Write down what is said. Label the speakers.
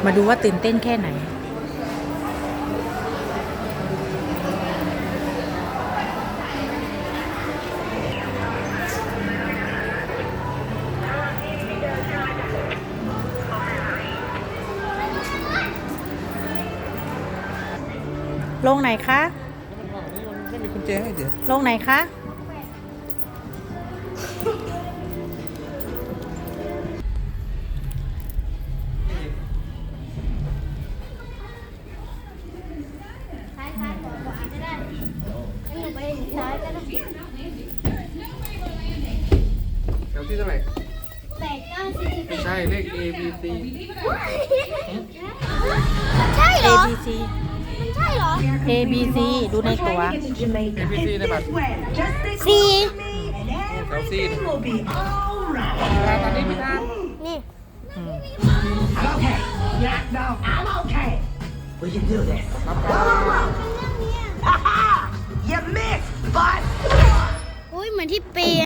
Speaker 1: มาดูว่าตื่นเต้นแค่ไหนลงไหนคะ
Speaker 2: ไม่มีกุญแจให้เดี๋ยว
Speaker 1: ลงไหนคะ
Speaker 3: ซ้ายขวาก็ได้ให้หนูไปซ้ายก็ได้
Speaker 2: แถวที่เท่าไหร่
Speaker 3: 8 9
Speaker 2: ไม่ใช่เลข A B C
Speaker 3: ใช่เหร
Speaker 1: A
Speaker 3: อ
Speaker 1: B C
Speaker 3: มันใช่เหรอ
Speaker 1: A B C ดูในตั๋ว
Speaker 2: A B C ในบัตร
Speaker 3: สี
Speaker 2: แถว C ตอนนี้ไม่ทาน
Speaker 3: นี่
Speaker 4: Okay. Yeah, no, I'm okay. We can do this.
Speaker 2: รับ
Speaker 4: Ha ha! You missed, but.
Speaker 3: อุ้ยเหมือนที่ปี